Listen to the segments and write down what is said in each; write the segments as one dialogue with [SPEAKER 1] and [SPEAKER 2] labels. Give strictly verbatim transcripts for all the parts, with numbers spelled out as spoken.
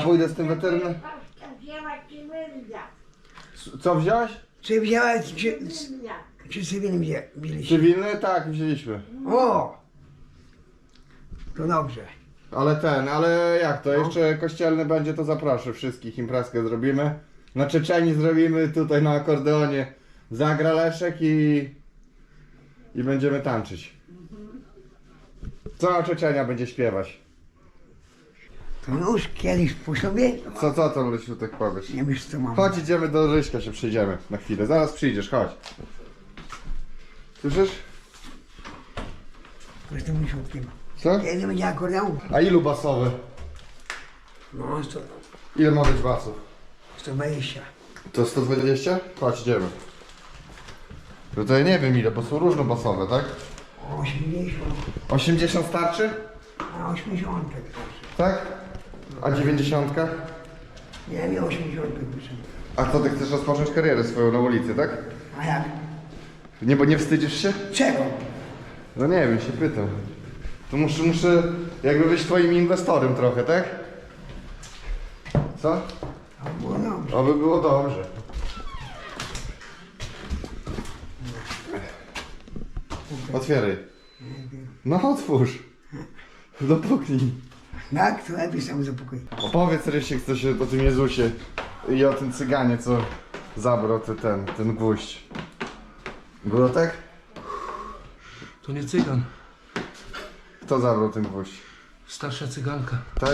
[SPEAKER 1] pójdę z tym weterynarzem. Co wziąłeś?
[SPEAKER 2] Czy wziąłeś, czy, czy cywilny wzię- wzięliście?
[SPEAKER 1] Cywilny? Tak, wzięliśmy.
[SPEAKER 2] O! To dobrze.
[SPEAKER 1] Ale ten, ale jak to? Jeszcze kościelny będzie, to zaproszę wszystkich. Imprezkę zrobimy. Na Czeczeni zrobimy tutaj na akordeonie. Zagra Leszek i... I będziemy tańczyć. Cała Czeczenia będzie śpiewać.
[SPEAKER 2] To już kiedyś po sobie?
[SPEAKER 1] Co, co tam, Rysiu, tak powiesz?
[SPEAKER 2] Nie wiesz co mam.
[SPEAKER 1] Chodź, idziemy do Ryśka, się przyjdziemy na chwilę. Zaraz przyjdziesz, chodź. Słyszysz?
[SPEAKER 2] Z tym wysiłkiem.
[SPEAKER 1] Co?
[SPEAKER 2] Kiedy będzie akordeon?
[SPEAKER 1] A ilu basowy?
[SPEAKER 2] No, sto,
[SPEAKER 1] Ile ma być basów?
[SPEAKER 2] sto dwadzieścia.
[SPEAKER 1] To sto dwadzieścia? Chodź, idziemy. No to ja nie wiem ile, bo są różnobasowe, tak?
[SPEAKER 2] osiemdziesiąt.
[SPEAKER 1] osiemdziesiąt starczy?
[SPEAKER 2] A osiemdziesiąt.
[SPEAKER 1] Tak? A dziewięćdziesiątka?
[SPEAKER 2] Nie wiem, osiemdziesiąt proszę.
[SPEAKER 1] A co, ty chcesz rozpocząć karierę swoją na ulicy, tak?
[SPEAKER 2] A jak?
[SPEAKER 1] Nie, bo nie wstydzisz się?
[SPEAKER 2] Czego?
[SPEAKER 1] No nie wiem, się pytam. To muszę, muszę jakby być twoim inwestorem trochę, tak? Co?
[SPEAKER 2] A było dobrze.
[SPEAKER 1] Oby było dobrze. Otwieraj. No otwórz. Dopuknij.
[SPEAKER 2] Tak, to lepiej sam zapokój.
[SPEAKER 1] Opowiedz Rysiek coś o tym Jezusie i o tym cyganie, co zabrał ty, ten, ten gwóźdź. Było tak?
[SPEAKER 3] To nie cygan,
[SPEAKER 1] Kto zabrał ten gwóźdź?
[SPEAKER 3] starsza cyganka.
[SPEAKER 1] Tak?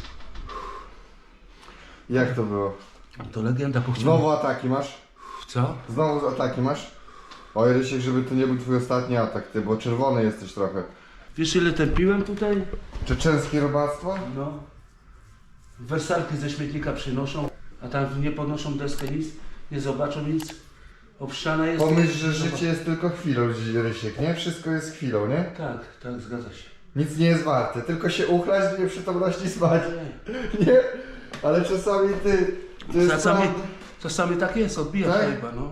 [SPEAKER 1] Jak to było?
[SPEAKER 3] To legenda pochciana.
[SPEAKER 1] Znowu ataki masz?
[SPEAKER 3] Co?
[SPEAKER 1] Znowu ataki masz? Oj Rysiek, żeby to nie był twój ostatni atak, ty, bo czerwony jesteś trochę.
[SPEAKER 3] Wiesz ile tępiłem tutaj?
[SPEAKER 1] Czeczenskie robactwo?
[SPEAKER 3] No. Wersalki ze śmietnika przynoszą, a tam nie podnoszą deskę nic, nie zobaczą nic. Obszczana jest.
[SPEAKER 1] Pomyśl, że życie jest tylko chwilą, Rysiek, nie? Wszystko jest chwilą, nie?
[SPEAKER 3] Tak, tak, zgadza się.
[SPEAKER 1] Nic nie jest warte, tylko się uchlać do nieprzytomności spać.
[SPEAKER 3] Nie.
[SPEAKER 1] Nie? Ale czasami ty... To jest
[SPEAKER 3] Czasami,
[SPEAKER 1] prawda.
[SPEAKER 3] czasami tak jest, odbija
[SPEAKER 1] Tak?
[SPEAKER 3] chyba, no.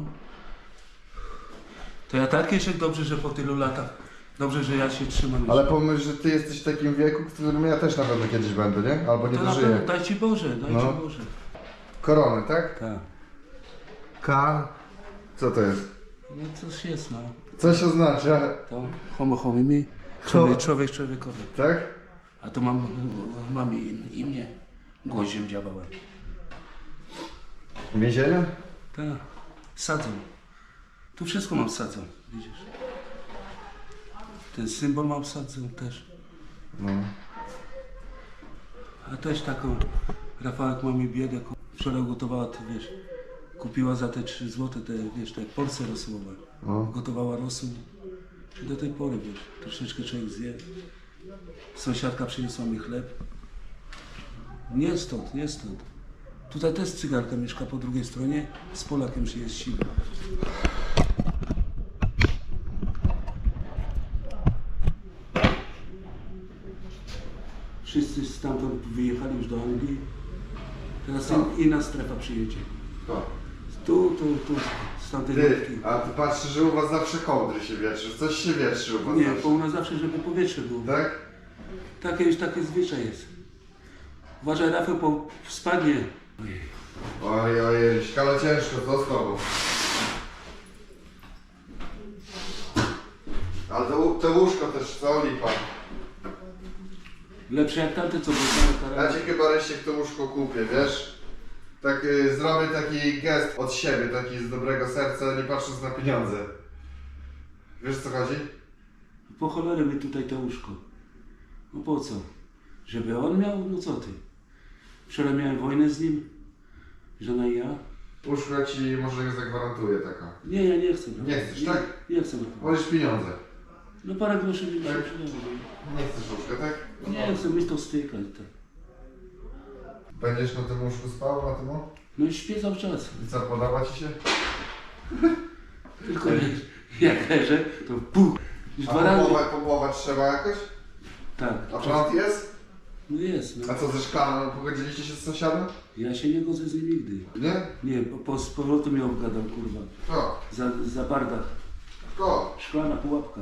[SPEAKER 3] To ja tak jeszcze dobrze, że po tylu latach, dobrze, że ja się trzymam.
[SPEAKER 1] Ale pomyśl, że ty jesteś w takim wieku, w którym ja też na pewno kiedyś będę, nie? Albo nie
[SPEAKER 3] to na
[SPEAKER 1] dożyję.
[SPEAKER 3] pewno, daj Ci Boże, daj
[SPEAKER 1] No.
[SPEAKER 3] Ci Boże.
[SPEAKER 1] Korony, tak?
[SPEAKER 3] Tak.
[SPEAKER 1] K. Co to jest?
[SPEAKER 3] No coś jest, no.
[SPEAKER 1] Coś oznacza,
[SPEAKER 3] To homo homimi, człowiek, człowiek człowiekowi.
[SPEAKER 1] tak?
[SPEAKER 3] A tu mam, mam im- imię, gwoździem działałem.
[SPEAKER 1] Więzienia?
[SPEAKER 3] Tak, sadzą. Tu wszystko mam sadzą, widzisz. Ten symbol mam sadzą też.
[SPEAKER 1] No.
[SPEAKER 3] A też taką, Rafałek ma mi biedę, ku- wczoraj gotowała, to wiesz, kupiła za te trzy złote, te, wiesz, te porcje rosółowe.
[SPEAKER 1] No.
[SPEAKER 3] Gotowała rosół. I do tej pory, wiesz, troszeczkę człowiek zje. Sąsiadka przyniosła mi chleb. Nie stąd, nie stąd. Tutaj też cygarka mieszka po drugiej stronie, z Polakiem się jest siły. Wszyscy stamtąd wyjechali już do Anglii. Teraz in, inna strefa przyjedzie.
[SPEAKER 1] To.
[SPEAKER 3] Tu, tu, tu, z tamtej
[SPEAKER 1] Ty,
[SPEAKER 3] nutki.
[SPEAKER 1] a ty patrzysz, że u was zawsze kołdry się wietrzy. Coś się wietrzy u was
[SPEAKER 3] Nie,
[SPEAKER 1] zawsze.
[SPEAKER 3] bo u nas zawsze, żeby powietrze było.
[SPEAKER 1] Tak?
[SPEAKER 3] Takie już takie zwyczaj jest. Uważaj, Rafał, bo spadnie.
[SPEAKER 1] Oj, oj, Ryśka, ale ciężko, co z tobą? Ale to, to łóżko też, co lipa?
[SPEAKER 3] Lepsze jak tamte, co były
[SPEAKER 1] Ja ci chyba Rysiek to łóżko kupię, wiesz? Tak y, zrobię taki gest od siebie, taki z dobrego serca, nie patrząc na pieniądze. Wiesz co chodzi?
[SPEAKER 3] Po cholerę mi tutaj to łóżko. No po co? Żeby on miał? No co ty? Wczoraj miałem wojnę z nim. Żona i ja.
[SPEAKER 1] Łóżko ci może zagwarantuję taka.
[SPEAKER 3] Nie, ja nie chcę.
[SPEAKER 1] Nie chcesz, tak?
[SPEAKER 3] Nie chcę.
[SPEAKER 1] Wolisz pieniądze.
[SPEAKER 3] No parę groszy mi się
[SPEAKER 1] Tak?
[SPEAKER 3] przydało.
[SPEAKER 1] Nie chcesz łóżka, tak?
[SPEAKER 3] Nie chcę mieć to styka i tak.
[SPEAKER 1] Będziesz na tym łóżku spał, na tym?
[SPEAKER 3] No i śpię cały czas.
[SPEAKER 1] I co, podoba ci się?
[SPEAKER 3] Tylko jak leżę, to puch. Już
[SPEAKER 1] A
[SPEAKER 3] dwa razy.
[SPEAKER 1] pompować, pompować trzeba jakoś?
[SPEAKER 3] Tak.
[SPEAKER 1] A prąd jest?
[SPEAKER 3] No jest, no.
[SPEAKER 1] A co ze szklaną? Pogodziliście się z sąsiadem?
[SPEAKER 3] Ja się nie godzę z nim nigdy.
[SPEAKER 1] Nie?
[SPEAKER 3] Nie, po, po, z powrotem mnie obgadał, kurwa.
[SPEAKER 1] Kto?
[SPEAKER 3] Za, za bardach.
[SPEAKER 1] Kto?
[SPEAKER 3] Szklana pułapka.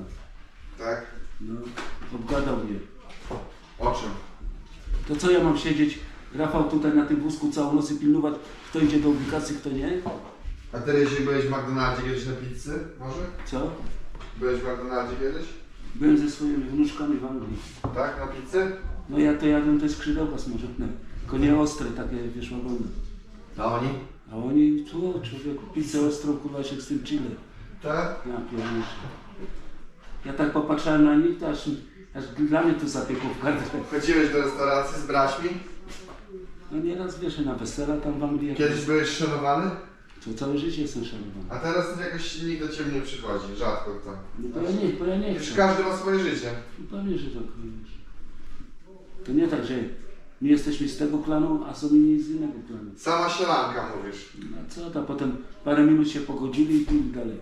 [SPEAKER 1] Tak?
[SPEAKER 3] No, obgadał mnie.
[SPEAKER 1] O czym?
[SPEAKER 3] To co ja mam siedzieć Rafał tutaj na tym wózku całą noc i pilnować, kto idzie do ubikacji, kto nie.
[SPEAKER 1] A ty jeśli byłeś w McDonaldzie kiedyś na pizzy? Może?
[SPEAKER 3] Co?
[SPEAKER 1] Byłeś w McDonaldzie kiedyś?
[SPEAKER 3] Byłem ze swoimi wnuczkami w Anglii.
[SPEAKER 1] Tak? Na pizzy?
[SPEAKER 3] No ja to jadłem te skrzydełka smażone. Tylko nie ostre, takie wiesz, ogromne.
[SPEAKER 1] A oni?
[SPEAKER 3] A oni, tu człowieku, pizzę ostrą, kurwa się z tym chile.
[SPEAKER 1] Tak?
[SPEAKER 3] Ja pierdolę. Ja tak popatrzałem na nich, to aż, aż dla mnie to zapiekło w gardle.
[SPEAKER 1] Chodziłeś do restauracji z braćmi?
[SPEAKER 3] No nieraz wiesz, na wesela tam w Anglii.
[SPEAKER 1] Kiedyś byłeś szanowany?
[SPEAKER 3] To całe życie jestem szanowany.
[SPEAKER 1] A teraz jakoś nikt do ciebie nie przychodzi, rzadko kto.
[SPEAKER 3] No bo ja nie, bo ja nie
[SPEAKER 1] Już
[SPEAKER 3] chcę.
[SPEAKER 1] każdy ma swoje życie.
[SPEAKER 3] No pewnie, że tak wiesz. To nie tak, że my jesteśmy z tego klanu, a są inni z innego klanu.
[SPEAKER 1] Sama sielanka mówisz.
[SPEAKER 3] No co to, potem parę minut się pogodzili i pili dalej.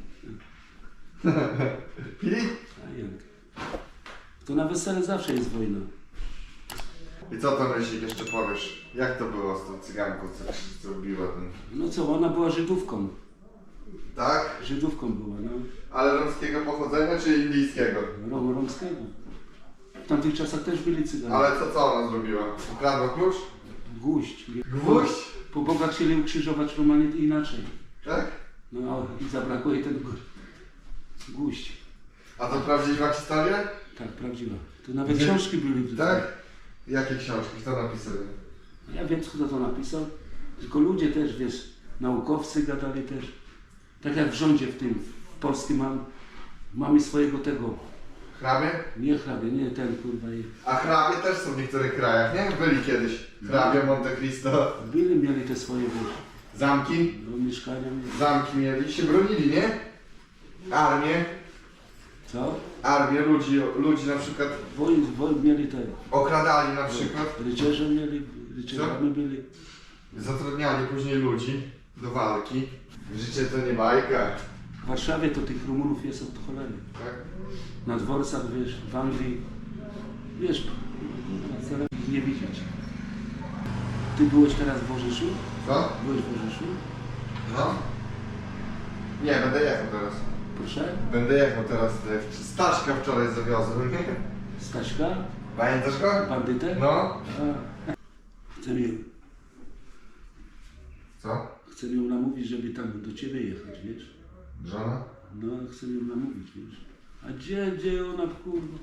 [SPEAKER 1] Pili?
[SPEAKER 3] A jak? To na wesele zawsze jest wojna.
[SPEAKER 1] I co to myślisz, jeszcze powiesz? Jak to było z tą cyganką, co, co biła ten...
[SPEAKER 3] No co, ona była Żydówką.
[SPEAKER 1] Tak?
[SPEAKER 3] Żydówką była, no.
[SPEAKER 1] Ale romskiego pochodzenia czy indyjskiego?
[SPEAKER 3] Rom, romskiego. W tamtych czasach też byli cyganie.
[SPEAKER 1] Ale to co ona zrobiła? Ukradła klucz?
[SPEAKER 3] Gwóźdź.
[SPEAKER 1] Gwóźdź?
[SPEAKER 3] Po bogach chcieli ukrzyżować Romanie inaczej.
[SPEAKER 1] Tak?
[SPEAKER 3] No i zabrakło jej tego gwóźdź.
[SPEAKER 1] A to prawdziwa historia?
[SPEAKER 3] Tak, prawdziwa. To nawet
[SPEAKER 1] Gdzie-
[SPEAKER 3] książki były.
[SPEAKER 1] Tak? Jakie książki? Kto napisał?
[SPEAKER 3] Ja wiem, kto to napisał. Tylko ludzie też, wiesz, naukowcy gadali też. Tak jak w rządzie w tym, w polskim mam, mamy swojego tego,
[SPEAKER 1] Hrabie?
[SPEAKER 3] nie hrabie, nie ten kurwa. i-
[SPEAKER 1] A hrabie też są w niektórych krajach, nie? Byli kiedyś. Hrabia Monte Cristo.
[SPEAKER 3] Byli, mieli te swoje, wiesz,
[SPEAKER 1] Zamki?
[SPEAKER 3] no, mieszkania. mieli.
[SPEAKER 1] Zamki mieli, się bronili, nie? Armię.
[SPEAKER 3] Co?
[SPEAKER 1] Armię ludzi, ludzi na przykład
[SPEAKER 3] Wojen, wojen mieli te,
[SPEAKER 1] okradali na przykład.
[SPEAKER 3] rycerze mieli, rycerzami byli.
[SPEAKER 1] Zatrudniali później ludzi do walki. Życie to nie bajka.
[SPEAKER 3] W Warszawie to tych Rumunów jest od cholery.
[SPEAKER 1] Tak?
[SPEAKER 3] Na dworcach, wiesz, w Anglii, wiesz, wcale nie widzieć. Ty byłeś teraz w Orzeszu?
[SPEAKER 1] Co?
[SPEAKER 3] Byłeś w Orzeszu?
[SPEAKER 1] No? Nie, będę jechał teraz.
[SPEAKER 3] Proszę?
[SPEAKER 1] Będę jechał teraz. Staszka wczoraj zawiozłem.
[SPEAKER 3] Staśka?
[SPEAKER 1] Pamiętasz go?
[SPEAKER 3] Bandytę?
[SPEAKER 1] No.
[SPEAKER 3] A, chcę ją,
[SPEAKER 1] Co?
[SPEAKER 3] chcę ją namówić, żeby tam do ciebie jechać, wiesz?
[SPEAKER 1] Żona?
[SPEAKER 3] No, chcę ją namówić, wiesz? A gdzie, gdzie ona, kurwa?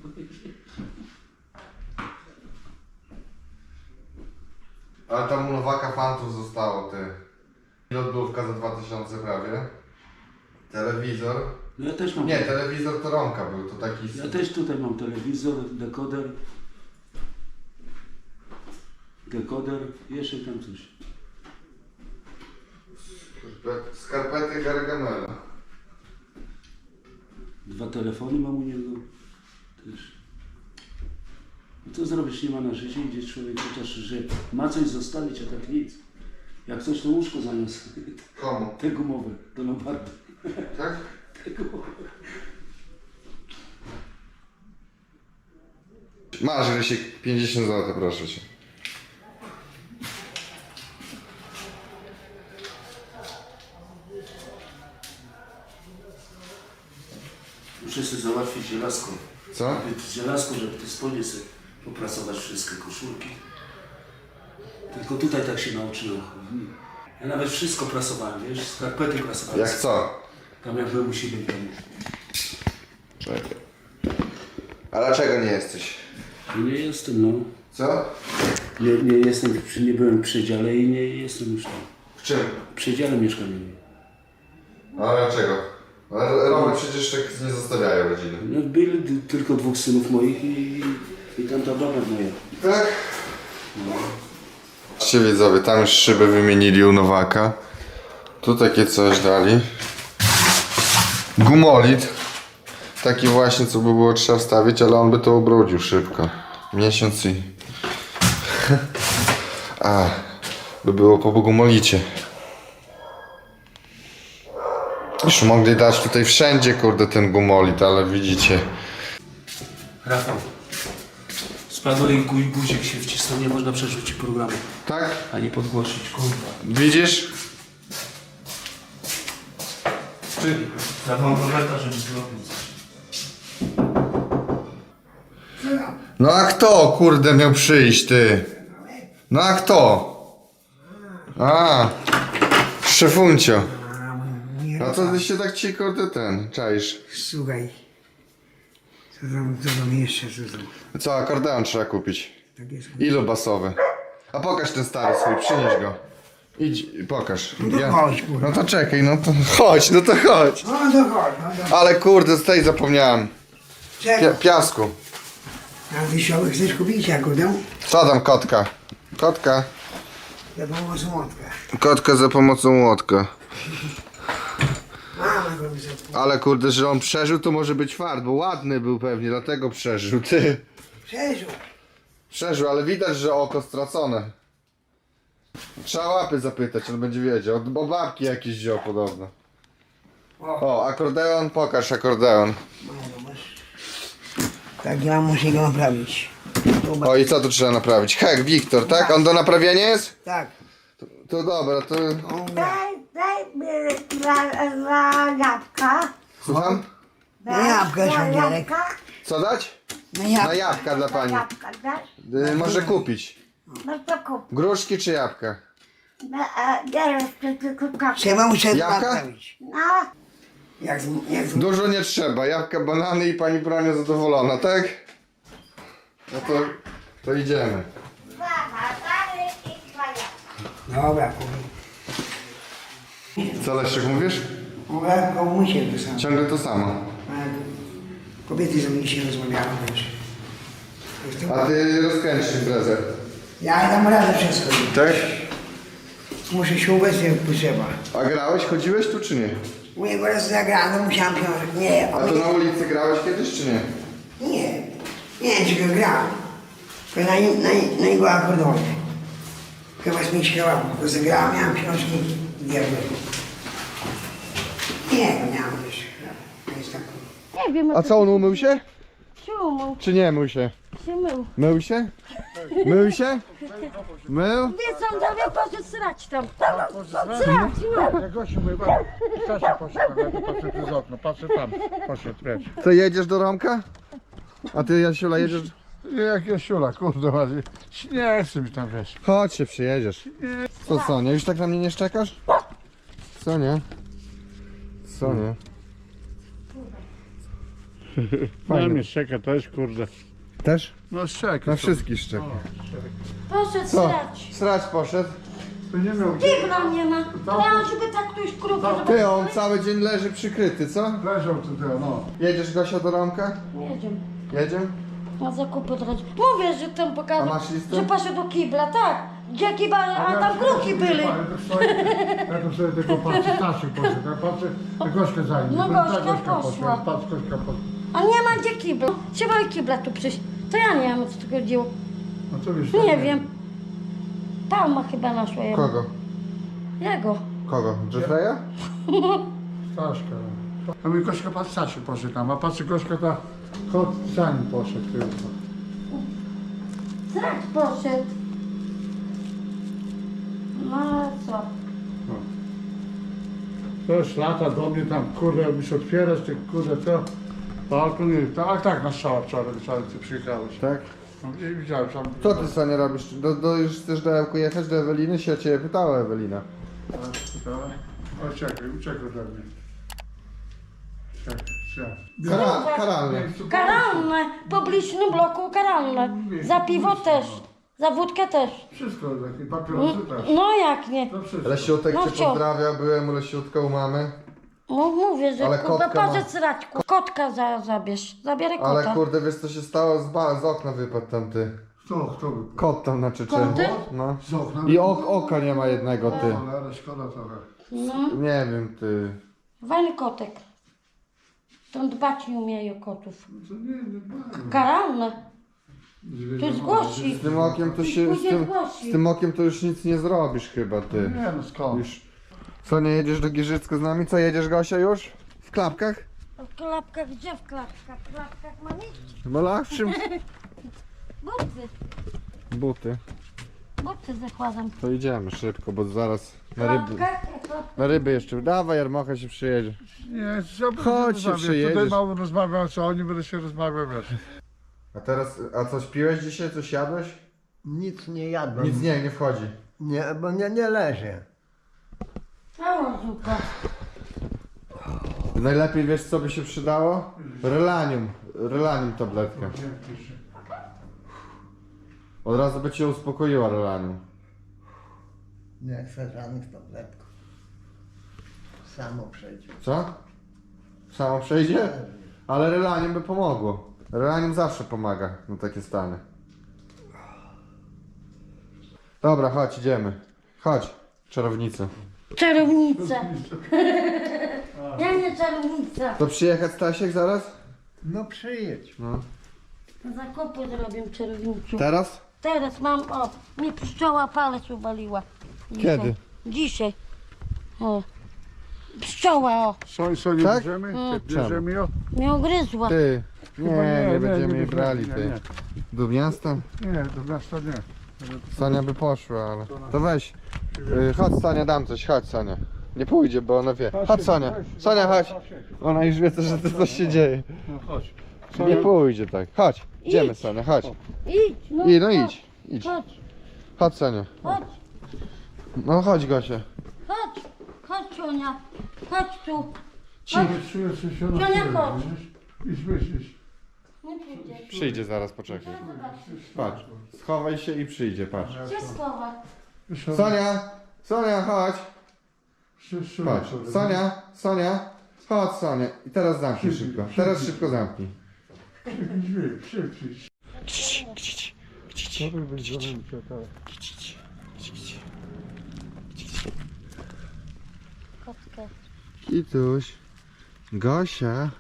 [SPEAKER 1] Ale tam u Nowaka fantów zostało, ty. Lodówka za dwa tysiące prawie. Telewizor.
[SPEAKER 3] No ja też mam.
[SPEAKER 1] Nie, telewizor to Romka był, to taki...
[SPEAKER 3] Ja też tutaj mam telewizor, dekoder. Dekoder, jeszcze tam coś.
[SPEAKER 1] Skarpet- Skarpety Gargamela.
[SPEAKER 3] Dwa telefony mam u niego. Też. No to zrobisz, nie ma na życie, idzie człowiek chociaż, że ma coś zostawić, a tak nic. Jak coś to łóżko zamiast.
[SPEAKER 1] Komu?
[SPEAKER 3] Te gumowe, do Lombardu.
[SPEAKER 1] Tak?
[SPEAKER 3] Te gumowe.
[SPEAKER 1] Masz, Rysiek, pięćdziesiąt złotych, proszę cię.
[SPEAKER 3] Muszę sobie załatwić żelazko.
[SPEAKER 1] Co?
[SPEAKER 3] Żelazko, żeby te spodnie sobie poprasować wszystkie koszulki. Tylko tutaj tak się nauczyłem. Ja nawet wszystko prasowałem, wiesz, skarpety prasowałem.
[SPEAKER 1] Jak co?
[SPEAKER 3] Tam jak byłem u siebie w domu.
[SPEAKER 1] Czekaj. A dlaczego nie jesteś?
[SPEAKER 3] No nie jestem, no.
[SPEAKER 1] Co?
[SPEAKER 3] Nie, nie jestem, przy- nie byłem w przedziale i nie jestem już tam.
[SPEAKER 1] W czym?
[SPEAKER 3] W przedziale mieszkaniowym.
[SPEAKER 1] A dlaczego? Ale Romy przecież tak nie zostawiają rodziny.
[SPEAKER 3] No byli d- tylko dwóch synów moich i, i tamta baba moja.
[SPEAKER 1] Tak? Patrzcie widzowie, tam już szybę wymienili u Nowaka. Tu takie coś dali. Gumolit. Taki właśnie, co by było trzeba wstawić, ale on by to ubrudził szybko. Miesiąc i... A, by było po gumolicie. Już mogli dać tutaj wszędzie, kurde, ten gumolit, ale widzicie.
[SPEAKER 3] Rafał, spadł i gu- guzik się wcisnął, nie można przerzucić programu,
[SPEAKER 1] Tak?
[SPEAKER 3] ani podgłosić, kurwa.
[SPEAKER 1] Widzisz?
[SPEAKER 3] Ja mam Roberta, żeby zrobił coś.
[SPEAKER 1] No a kto, kurde, miał przyjść, ty? No a kto? A, szefuncio.
[SPEAKER 2] A, nie,
[SPEAKER 1] No to ty się tak ci kurde ten, czaisz.
[SPEAKER 2] Słuchaj. Co tam, co tam jeszcze, co tam?
[SPEAKER 1] Co, akordeon trzeba kupić.
[SPEAKER 2] Tak jest.
[SPEAKER 1] Ilu basowy? A pokaż ten stary swój, przynieś go. Idź, pokaż.
[SPEAKER 2] No to chodź, kurwa.
[SPEAKER 1] No to czekaj, no to chodź, no to chodź.
[SPEAKER 2] No to chodź, no to...
[SPEAKER 1] Ale kurde, z tej zapomniałem.
[SPEAKER 2] Czego?
[SPEAKER 1] Pia piasku.
[SPEAKER 2] A ty się chcesz kupić akordeon?
[SPEAKER 1] Co tam kotka? Kotka.
[SPEAKER 2] Za pomocą młotka.
[SPEAKER 1] Kotka za pomocą młotka.
[SPEAKER 2] Mama go mi zapomniała.
[SPEAKER 1] Ale kurde, że on przeżył, to może być fart, bo ładny był pewnie, dlatego przeżył, ty.
[SPEAKER 2] Przeżył.
[SPEAKER 1] Przeżył, ale widać, że oko stracone. Trzeba łapy zapytać, on będzie wiedział. Bo babki jakieś wziął podobno.
[SPEAKER 2] O,
[SPEAKER 1] O, akordeon, pokaż akordeon.
[SPEAKER 2] mamo, masz. Tak, ja muszę go naprawić. Zobacz.
[SPEAKER 1] O i co tu trzeba naprawić? Hek, Wiktor, tak? On do naprawienia jest?
[SPEAKER 2] Tak.
[SPEAKER 1] To dobra, to...
[SPEAKER 2] On gra.
[SPEAKER 4] Daj, daj mi dla, dla jabłka.
[SPEAKER 1] Słucham?
[SPEAKER 2] Na jabłka,
[SPEAKER 4] Dla
[SPEAKER 2] szandzielek.
[SPEAKER 4] jabłka.
[SPEAKER 1] Co dać?
[SPEAKER 2] Na
[SPEAKER 1] Na
[SPEAKER 2] jabłka.
[SPEAKER 1] jabłka dla pani.
[SPEAKER 4] Jabłka dasz?
[SPEAKER 1] Y, może kupić.
[SPEAKER 4] No to kup.
[SPEAKER 1] Gruszki czy jabłka?
[SPEAKER 4] No, a teraz to tylko kapkę.
[SPEAKER 2] Trzeba muszę
[SPEAKER 1] Jabłka?
[SPEAKER 2] naprawić.
[SPEAKER 4] No,
[SPEAKER 2] Jak, z- jak, z-
[SPEAKER 1] Dużo nie trzeba, jabłka, banany i pani Brania zadowolona, tak? No to, to idziemy.
[SPEAKER 4] dwa batary i dwa jabłka.
[SPEAKER 2] Dobra, kurwa.
[SPEAKER 1] Co Leszek mówisz?
[SPEAKER 2] Mówię, komusie to samo.
[SPEAKER 1] Ciągle to samo.
[SPEAKER 2] A kobiety ze mną dzisiaj rozmawiały też. Jestem-
[SPEAKER 1] A ty rozkręcisz imprezę.
[SPEAKER 2] Ja dam radę wszystko.
[SPEAKER 1] Tak?
[SPEAKER 2] Muszę się ubezpieczyć jak potrzeba.
[SPEAKER 1] A grałeś, chodziłeś tu czy nie?
[SPEAKER 2] U niego raz zagrano, musiałem się... Nie,
[SPEAKER 1] A
[SPEAKER 2] on
[SPEAKER 1] to na ulicy grałeś kiedyś czy nie?
[SPEAKER 2] nie. Nie, tylko grałem. Tylko na, na, na jego akordeonie. Chyba z mi śpiewał, bo zagrałem, miałem książki diabły. Nie, miałem jeszcze. To jest tak.
[SPEAKER 4] Nie wiem,
[SPEAKER 1] A co, on umył się?
[SPEAKER 4] się umył,
[SPEAKER 1] Czy nie mył się?
[SPEAKER 4] się mył.
[SPEAKER 1] Mył się? Mył się? Mył?
[SPEAKER 4] Wiesz co, Dawie, poszedł srać tam. Srać, no.
[SPEAKER 5] Jak gościu mój pan, Stasia poszedł, ja tu patrzę przez okno, patrzę tam, poszedł precz.
[SPEAKER 1] Co, jedziesz do Romka? A ty, Jasiula, jedziesz?
[SPEAKER 5] Jak Jasiula, kurde ładnie, nie chcę mi tam wiesz.
[SPEAKER 1] Chodź się przyjedziesz. Co, co, nie? Już tak na mnie nie szczekasz? Co, nie? Co, nie?
[SPEAKER 5] Na mnie szczeka też, kurde.
[SPEAKER 1] Też?
[SPEAKER 5] No szczeka.
[SPEAKER 1] Na wszystkich szczeka.
[SPEAKER 4] Poszedł
[SPEAKER 1] Co?
[SPEAKER 4] srać.
[SPEAKER 1] Srać poszedł.
[SPEAKER 5] To nie miał
[SPEAKER 4] Kibla nie ma. Ja żeby tak ktoś krupę, żeby...
[SPEAKER 1] Ty, on cały dzień leży przykryty, co?
[SPEAKER 5] leżał tutaj, no.
[SPEAKER 1] Jedziesz, Gosia, do Romka?
[SPEAKER 4] Jedziemy.
[SPEAKER 1] Jedziemy?
[SPEAKER 4] Na zakupy drodzy. Mówię, że tam
[SPEAKER 1] A
[SPEAKER 4] pokazał,
[SPEAKER 1] masz listę?
[SPEAKER 4] że poszedł do kibla, tak. Gdzie kibla, a tam kruki byli.
[SPEAKER 5] Ja tu sobie, ja tu sobie tego patrzę, Stasiu poszedł, ja patrzę, Gośkę zajmie.
[SPEAKER 4] No
[SPEAKER 5] Ta
[SPEAKER 4] Gośka poszła.
[SPEAKER 5] Patrz, Gośka poszła.
[SPEAKER 4] A nie ma gdzie kibla. Trzeba i kibla tu przyjść. To ja nie wiem, o co tu chodziło.
[SPEAKER 5] No co wiesz?
[SPEAKER 4] Nie wiem. Palma chyba naszła jego.
[SPEAKER 1] Kogo?
[SPEAKER 4] Jego.
[SPEAKER 1] Kogo? Jeffreya?
[SPEAKER 5] Staszka. A mi Gośka patrz, Stasiu poszedł tam, a patrzy Gośka ta, kot za nim poszedł tylko.
[SPEAKER 4] Zrak poszedł. No ale co?
[SPEAKER 5] Też lata do mnie tam, kurde, musisz otwierać, ty kurde, co? Balkon, nie, tak, tak, na strzała wczoraj, wczoraj ty przyjechałeś.
[SPEAKER 1] Tak.
[SPEAKER 5] No, i widziałem tam.
[SPEAKER 1] Co ty, Sonia, robisz? Do, do, już chcesz do Ełku jechać, do Eweliny? Się ciebie pytała Ewelina.
[SPEAKER 5] O, czekaj, uciekaj ode mnie. Czekaj, czekaj.
[SPEAKER 1] Kara, karalne.
[SPEAKER 4] Karalne. Po bliźnym bloku karalne. Za piwo też. Za wódkę też.
[SPEAKER 5] Wszystko, takie papierosy też.
[SPEAKER 4] No jak nie?
[SPEAKER 5] To wszystko.
[SPEAKER 1] Lesiutek
[SPEAKER 4] No
[SPEAKER 1] cię
[SPEAKER 4] wcio.
[SPEAKER 1] pozdrawia, byłem u Lesiutka u mamy.
[SPEAKER 4] No mówię, że
[SPEAKER 1] Ale
[SPEAKER 4] kurwa
[SPEAKER 1] kotka ma-
[SPEAKER 4] poszedł srać. ku- Kotka za, zabierz. Zabieraj kota.
[SPEAKER 1] Ale kurde, wiesz co się stało? Z, ba- z okna wypadł tam ty.
[SPEAKER 5] Kto, kto by?
[SPEAKER 1] Kot tam na Czeczeniu.
[SPEAKER 4] Koty?
[SPEAKER 1] No.
[SPEAKER 5] Z okna.
[SPEAKER 1] I ok, oka nie ma jednego, ty.
[SPEAKER 5] Ale szkoda trochę.
[SPEAKER 4] No.
[SPEAKER 1] Nie wiem, ty.
[SPEAKER 4] Fajny kotek. To dbać nie umieją kotów.
[SPEAKER 5] To nie, nie bardzo.
[SPEAKER 4] Karalne. To
[SPEAKER 5] Zwierzę
[SPEAKER 4] zgłosi.
[SPEAKER 1] Z tym okiem to się, z tym, z tym okiem to już nic nie zrobisz chyba, ty.
[SPEAKER 5] Nie no skąd?
[SPEAKER 1] Już. Co, nie jedziesz do Giżycka z nami? Co, jedziesz, Gosia, już? W klapkach?
[SPEAKER 4] W klapkach, gdzie w klapkach? W klapkach ma nic.
[SPEAKER 1] Bola? W czym?
[SPEAKER 4] Buty.
[SPEAKER 1] Buty.
[SPEAKER 4] Buty zakładam.
[SPEAKER 1] To idziemy szybko, bo zaraz
[SPEAKER 4] W
[SPEAKER 1] na ryby,
[SPEAKER 4] klapkach, w klapkach.
[SPEAKER 1] na ryby jeszcze. Dawaj, Jarmocha się przyjedzie.
[SPEAKER 5] Nie, co
[SPEAKER 1] Chodź się przyjedziesz.
[SPEAKER 5] Tutaj mało rozmawiam, co oni będę się rozmawiał, wiesz.
[SPEAKER 1] A teraz, a coś piłeś dzisiaj? Coś jadłeś?
[SPEAKER 6] Nic nie jadłem.
[SPEAKER 1] Nic nie, nie wchodzi.
[SPEAKER 6] Nie, bo nie, nie leży.
[SPEAKER 4] Cała zupa.
[SPEAKER 1] Najlepiej wiesz co by się przydało? Relanium. Relanium tabletkę. Od razu by cię uspokoiła relanium.
[SPEAKER 6] Nie chcę żadnych tabletków. Samo przejdzie.
[SPEAKER 1] Co? Samo przejdzie? Ale relanium by pomogło. Relanium zawsze pomaga na takie stany. Dobra, chodź, idziemy. Chodź, czarownica.
[SPEAKER 4] Czarownica. Ja nie czarownica.
[SPEAKER 1] To przyjechać Stasiek zaraz?
[SPEAKER 6] No przyjedź.
[SPEAKER 1] No.
[SPEAKER 4] Zakupy zrobię czarownicą.
[SPEAKER 1] Teraz?
[SPEAKER 4] Teraz mam, o, mi pszczoła palec uwaliła. Dzisiaj.
[SPEAKER 1] Kiedy?
[SPEAKER 4] Dzisiaj. O. Pszczoła, o,
[SPEAKER 5] Co, co nie
[SPEAKER 1] Tak?
[SPEAKER 5] bierzemy?
[SPEAKER 4] Mm.
[SPEAKER 5] Bierzemy ją?
[SPEAKER 4] mnie ugryzła.
[SPEAKER 1] Ty. Nie,
[SPEAKER 5] Chyba
[SPEAKER 1] nie,
[SPEAKER 5] nie, nie,
[SPEAKER 1] będziemy
[SPEAKER 5] nie
[SPEAKER 1] jej
[SPEAKER 5] bierzemy,
[SPEAKER 1] brali,
[SPEAKER 5] nie,
[SPEAKER 1] ty.
[SPEAKER 5] nie.
[SPEAKER 1] Do miasta?
[SPEAKER 5] Nie, do miasta nie.
[SPEAKER 1] Sania by poszła, ale... To weź. Y, chodź Sania, dam coś, chodź Sania. Nie pójdzie, bo ona wie. Chodź Sania, Sania chodź. Ona już wie, że to coś się dzieje.
[SPEAKER 5] No chodź.
[SPEAKER 1] Nie pójdzie tak. Chodź, idziemy
[SPEAKER 4] Idź.
[SPEAKER 1] Sania, chodź.
[SPEAKER 4] Idź, no,
[SPEAKER 1] I no
[SPEAKER 4] chodź,
[SPEAKER 1] idź, idź.
[SPEAKER 4] Chodź,
[SPEAKER 1] Chodź Sania.
[SPEAKER 4] chodź,
[SPEAKER 1] No chodź Gosia.
[SPEAKER 4] chodź, chodź, Czunia, chodź tu.
[SPEAKER 5] Czuję, czuję, że się
[SPEAKER 4] nie
[SPEAKER 5] rozczuję,
[SPEAKER 4] chodź.
[SPEAKER 5] widzisz? Idź, myślisz.
[SPEAKER 4] Nie przyjdzie.
[SPEAKER 1] Przyjdzie zaraz, poczekaj. Patrz, schowaj się i przyjdzie, patrz.
[SPEAKER 4] Gdzie schowa?
[SPEAKER 1] Sonia, Sonia, chodź. Patrz, Sonia, Sonia. Chodź Sonia. I teraz zamknij szybko. Teraz szybko zamknij.
[SPEAKER 5] Drzwi, szybciej. To by być gorące, tak.
[SPEAKER 4] Kotkę.
[SPEAKER 1] Kituś. Gosia.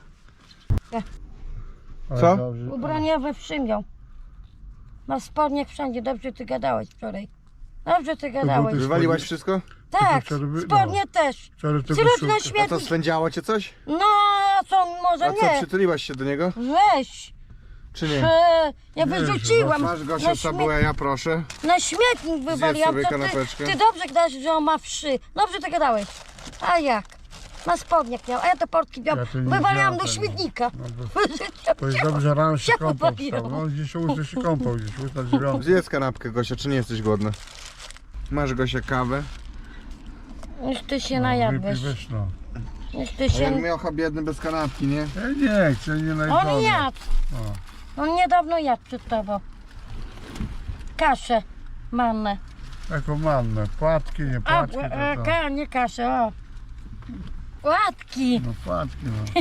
[SPEAKER 5] Ale
[SPEAKER 1] Co?
[SPEAKER 5] dobrze.
[SPEAKER 4] Ubraniowy przymiał. Na spodniach wszędzie, dobrze ty gadałeś wczoraj. Dobrze ty gadałeś.
[SPEAKER 5] buty-
[SPEAKER 1] Wywaliłaś wszystko?
[SPEAKER 4] Tak,
[SPEAKER 5] wczoraj by-
[SPEAKER 4] spodnie też.
[SPEAKER 5] Wczoraj to
[SPEAKER 4] Wśród
[SPEAKER 5] koszulka.
[SPEAKER 4] na
[SPEAKER 1] A to
[SPEAKER 4] śmietnik.
[SPEAKER 1] swędziało cię coś?
[SPEAKER 4] No, co, może
[SPEAKER 1] A co,
[SPEAKER 4] nie.
[SPEAKER 1] przytuliłaś się do niego?
[SPEAKER 4] Weź.
[SPEAKER 1] Czy nie?
[SPEAKER 4] E, ja
[SPEAKER 5] Nie,
[SPEAKER 4] wyrzuciłam.
[SPEAKER 1] Masz
[SPEAKER 4] na,
[SPEAKER 1] Gosia
[SPEAKER 4] śmie-
[SPEAKER 1] Sabueja, proszę.
[SPEAKER 4] na śmietnik wywaliłam.
[SPEAKER 1] sobie
[SPEAKER 4] To ty,
[SPEAKER 1] kanapeczkę.
[SPEAKER 4] ty dobrze gadałeś, że on ma wszy. Dobrze ty gadałeś. A jak? Na spodniach miał, a ja te portki miałam.
[SPEAKER 5] Ja to nie
[SPEAKER 4] Wywaliłam
[SPEAKER 5] miałam
[SPEAKER 4] do
[SPEAKER 5] tego.
[SPEAKER 4] śmietnika.
[SPEAKER 5] No To jest dobrze, że rano się
[SPEAKER 4] się
[SPEAKER 5] kąpał
[SPEAKER 4] popaliło.
[SPEAKER 5] wstał. No gdzieś ósmy się kąpał, gdzieś ósma dziewiąta.
[SPEAKER 1] Zjedz kanapkę Gosia, czy nie jesteś głodna? Masz Gosia kawę?
[SPEAKER 4] Już ty się
[SPEAKER 5] Wypij,
[SPEAKER 4] najadłeś.
[SPEAKER 5] weź no.
[SPEAKER 4] Już ty
[SPEAKER 1] A jak
[SPEAKER 4] się...
[SPEAKER 1] miocha biedny bez kanapki, nie?
[SPEAKER 5] Ja nie chcę, nie
[SPEAKER 4] On
[SPEAKER 5] najdolej.
[SPEAKER 4] jadł. On niedawno jadł przed tobą. Kaszę mannę.
[SPEAKER 5] Taką mannę, płatki, nie
[SPEAKER 4] A,
[SPEAKER 5] płatki,
[SPEAKER 4] e,
[SPEAKER 5] to, to.
[SPEAKER 4] ka, nie kaszę, o. Łatki.
[SPEAKER 5] No płatki, no.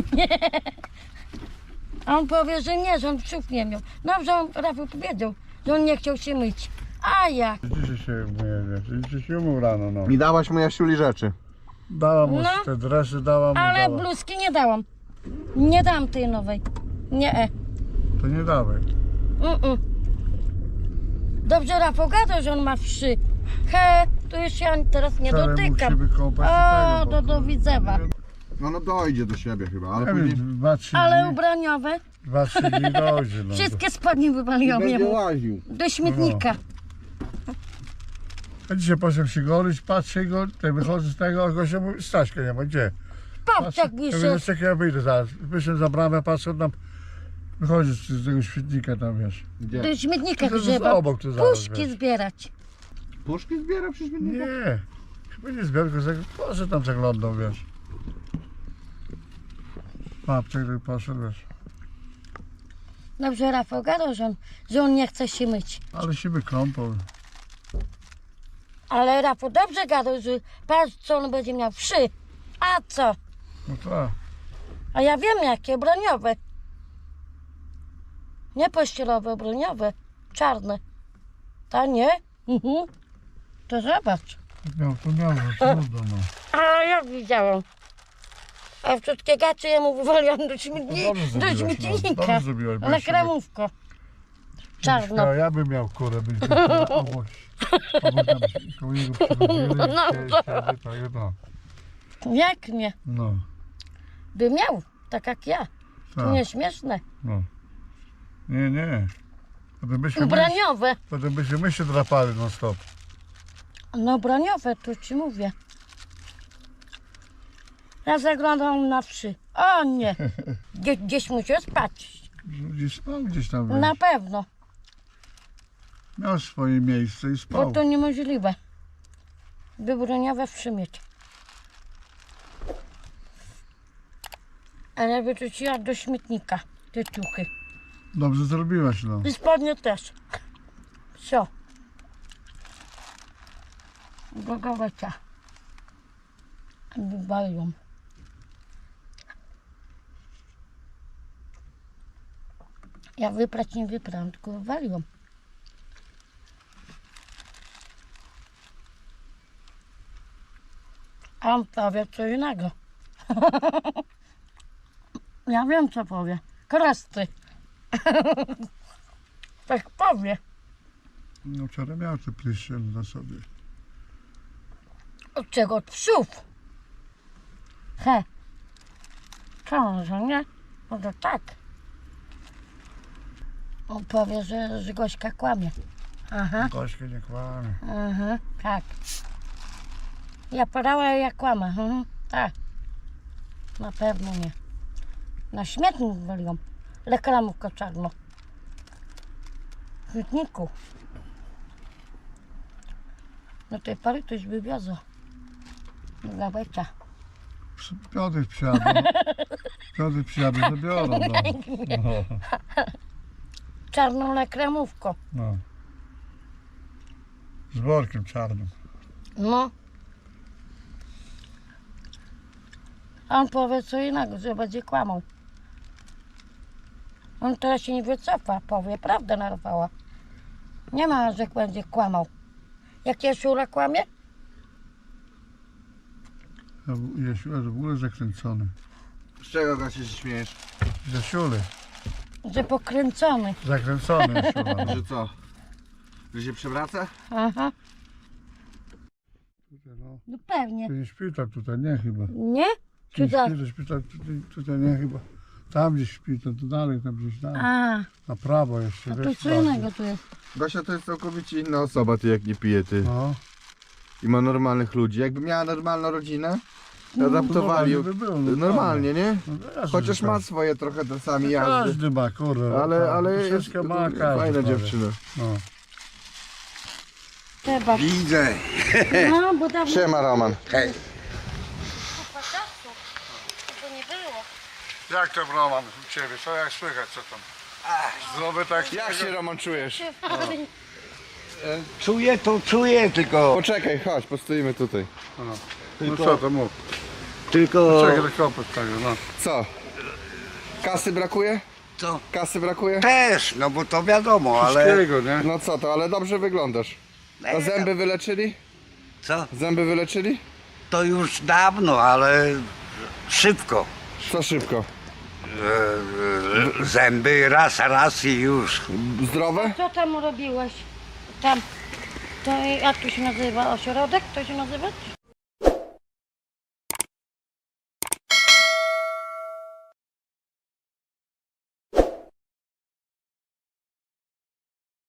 [SPEAKER 4] A on powie, że nie, że on psów nie miał. Dobrze, on Rafał powiedział, że on nie chciał się myć. A jak?
[SPEAKER 5] Dzisiaj się umyję, wiesz, dzisiaj się umył rano, no.
[SPEAKER 1] Mi dałaś mu Jasiuli rzeczy.
[SPEAKER 5] Dałam mu
[SPEAKER 4] No.
[SPEAKER 5] te dresy, dałam mu,
[SPEAKER 4] Ale
[SPEAKER 5] dałam.
[SPEAKER 4] bluzki nie dałam. Nie dam tej nowej. Nie. e.
[SPEAKER 5] To nie dawaj.
[SPEAKER 4] Mm-mm. Dobrze Rafał gadał, że on ma wszy. He, to już ja teraz nie
[SPEAKER 5] Wczoraj mógł
[SPEAKER 4] dotykam.
[SPEAKER 5] się wykąpać i
[SPEAKER 4] O,
[SPEAKER 5] tego,
[SPEAKER 4] do,
[SPEAKER 5] bo-
[SPEAKER 4] do widzewa.
[SPEAKER 1] No no dojdzie do siebie chyba, ale
[SPEAKER 5] Ja
[SPEAKER 1] później...
[SPEAKER 5] wiem, dwa, trzy
[SPEAKER 4] Ale
[SPEAKER 5] dni,
[SPEAKER 4] ubraniowe,
[SPEAKER 5] dwa, trzy dni dojdzie, no.
[SPEAKER 4] wszystkie spodnie wywaliłam
[SPEAKER 1] będzie
[SPEAKER 4] jemu.
[SPEAKER 1] łaził.
[SPEAKER 4] Do śmietnika.
[SPEAKER 5] A dzisiaj poszedłem się golić, patrzę go, tutaj wychodzę z tego, a gościa mówi, Staśka nie ma, gdzie?
[SPEAKER 4] Patrz jak
[SPEAKER 5] Ja mówię,
[SPEAKER 4] wiszę.
[SPEAKER 5] no czekaj, ja wyjdę zaraz. Wyszedłem za bramę, patrzę, tam wychodzi z, z tego świetnika tam, wiesz.
[SPEAKER 1] Gdzie?
[SPEAKER 4] Do śmietnika
[SPEAKER 5] To jest
[SPEAKER 4] grzeba.
[SPEAKER 5] obok tu zaraz,
[SPEAKER 4] Puszki
[SPEAKER 5] wiesz.
[SPEAKER 4] zbierać.
[SPEAKER 1] Puszki zbiera przy śmietniku?
[SPEAKER 5] Nie, chyba nie zbiorę, tylko zag- może tam zaglądał, wiesz. Papczek tak poszedł, wiesz.
[SPEAKER 4] Dobrze Rafał gadał, że on, że on nie chce się myć.
[SPEAKER 5] Ale się wykąpał.
[SPEAKER 4] Ale Rafał dobrze gadał, że patrz co on będzie miał wszy. A co?
[SPEAKER 5] No tak.
[SPEAKER 4] A ja wiem jakie, broniowe. Nie pościelowe, broniowe. Czarne. Ta nie? Mhm. To zobacz.
[SPEAKER 5] Miał, to miał, że trudno, no.
[SPEAKER 4] A ja widziałam. A wszystkie gacie ja mu wywaliłam do, śmietni,
[SPEAKER 5] Dobrze
[SPEAKER 4] do
[SPEAKER 5] zrobiłaś, no.
[SPEAKER 4] śmietnika.
[SPEAKER 5] Dobrze zrobiłaś, bo
[SPEAKER 4] Na
[SPEAKER 5] jeszcze
[SPEAKER 4] kramówko. Czarno.
[SPEAKER 5] Ja, ja bym miał kurę, byś był kurę, obok, obok tam koło niego przychodzili,
[SPEAKER 4] No,
[SPEAKER 5] siedzi,
[SPEAKER 4] to-
[SPEAKER 5] siedzi, tak, no.
[SPEAKER 4] Jak nie?
[SPEAKER 5] No,
[SPEAKER 4] By miał, tak jak ja. To
[SPEAKER 5] tak,
[SPEAKER 4] nie śmieszne.
[SPEAKER 5] no. Nie, nie. Potem byśmy, my,
[SPEAKER 4] Ubraniowe.
[SPEAKER 5] potem byśmy my się drapali non stop.
[SPEAKER 4] No braniowe, tu ci mówię. Ja zaglądam na wszy. O nie. Gdzie, gdzieś musiał spać.
[SPEAKER 5] Gdzieś tam, gdzieś tam, wiesz.
[SPEAKER 4] Na pewno.
[SPEAKER 5] Miał swoje miejsce i
[SPEAKER 4] Bo
[SPEAKER 5] spał.
[SPEAKER 4] to niemożliwe. Wybroniowe wszy mieć. Ale wyrzuciła do śmietnika te ciuchy.
[SPEAKER 5] Dobrze zrobiłaś, no.
[SPEAKER 4] I spodnie też. Co? Do gołecia. Wywaliłam. Ja wyprać nie wyprałam, tylko wywaliłam. A on powie co innego. Ja wiem co powie. Krasty. Tak powie.
[SPEAKER 5] No wczoraj miał te pryszcze na sobie.
[SPEAKER 4] Od czego? Od psów. He. Co, że nie? No to tak. On powie, że, że Gośka kłamie. Aha,
[SPEAKER 5] Gośka nie kłamie.
[SPEAKER 4] aha, tak. Ja podałem, jak kłamę. Mhm, tak. Na pewno nie. Na śmietnik waliłam. Reklamówkę czarno. W śmietniku. Do tej pory to już wywiozło. Do gabecia.
[SPEAKER 5] Piotr przyjadą. Piotr przyjadą, zabiorą. No. No.
[SPEAKER 4] Czarną reklamówką.
[SPEAKER 5] No. Z workiem czarnym.
[SPEAKER 4] No. A on powie co innego, że będzie kłamał. On teraz się nie wycofa, powie prawdę narwała. Nie ma, że będzie kłamał. Jak Jasiula kłamie?
[SPEAKER 5] Jasiu jest w ogóle zakręcony.
[SPEAKER 1] Z czego Gosia się śmiejesz?
[SPEAKER 5] Jasiuly.
[SPEAKER 4] Że pokręcony.
[SPEAKER 5] Zakręcony Jasiula.
[SPEAKER 1] Że co? Że się przewraca?
[SPEAKER 4] Aha,
[SPEAKER 5] Tutaj, no.
[SPEAKER 4] no pewnie.
[SPEAKER 5] To jest szpital tutaj, nie chyba.
[SPEAKER 4] Nie? Czy
[SPEAKER 5] Czy
[SPEAKER 4] tak?
[SPEAKER 5] szpital, szpital tutaj, tutaj nie chyba. Tam gdzieś szpital, to dalej, tam gdzieś dalej.
[SPEAKER 4] A,
[SPEAKER 5] Na prawo jeszcze.
[SPEAKER 4] a to
[SPEAKER 5] wiesz,
[SPEAKER 4] co
[SPEAKER 5] bardziej.
[SPEAKER 4] innego tu jest.
[SPEAKER 1] Gosia to jest całkowicie inna osoba, ty jak nie pije, ty.
[SPEAKER 5] No.
[SPEAKER 1] I ma normalnych ludzi. Jakby miała normalną rodzinę, adaptowali ją
[SPEAKER 5] by było, no
[SPEAKER 1] normalnie, nie?
[SPEAKER 5] No wiesz,
[SPEAKER 1] Chociaż
[SPEAKER 5] że
[SPEAKER 1] ma
[SPEAKER 5] tak.
[SPEAKER 1] swoje trochę czasami jazdy.
[SPEAKER 5] Każdy ma, kurde.
[SPEAKER 1] Ale,
[SPEAKER 5] tak,
[SPEAKER 1] ale jest
[SPEAKER 5] troszeczkę ma każdy.
[SPEAKER 1] fajna
[SPEAKER 5] prawie.
[SPEAKER 1] dziewczyna.
[SPEAKER 5] No.
[SPEAKER 4] Trzeba.
[SPEAKER 2] Widzę.
[SPEAKER 4] No, bo dawno
[SPEAKER 1] Siema Roman.
[SPEAKER 2] Hej.
[SPEAKER 4] kupa czasu. To nie było.
[SPEAKER 5] Jak tam Roman u ciebie? Co jak słychać, co tam? Zdrowy tak?
[SPEAKER 1] Jak się Roman czujesz?
[SPEAKER 2] Czuję to, czuję tylko.
[SPEAKER 1] Poczekaj, chodź, postoimy tutaj.
[SPEAKER 5] No, no co to mów?
[SPEAKER 2] Tylko.
[SPEAKER 5] Czekaj, do kopy tego, no.
[SPEAKER 1] Co? Kasy brakuje?
[SPEAKER 2] Co?
[SPEAKER 1] Kasy brakuje?
[SPEAKER 2] Też, no bo to wiadomo, ale.
[SPEAKER 5] Wszystkiego, nie?
[SPEAKER 1] No co to, ale dobrze wyglądasz. A zęby wyleczyli?
[SPEAKER 2] Co?
[SPEAKER 1] Zęby wyleczyli?
[SPEAKER 2] To już dawno, ale szybko.
[SPEAKER 1] Co szybko?
[SPEAKER 2] E, e, Zęby raz, raz i już.
[SPEAKER 1] Zdrowe?
[SPEAKER 4] Co tam robiłeś? Tam. To jak to się nazywa? Ośrodek? To się nazywa?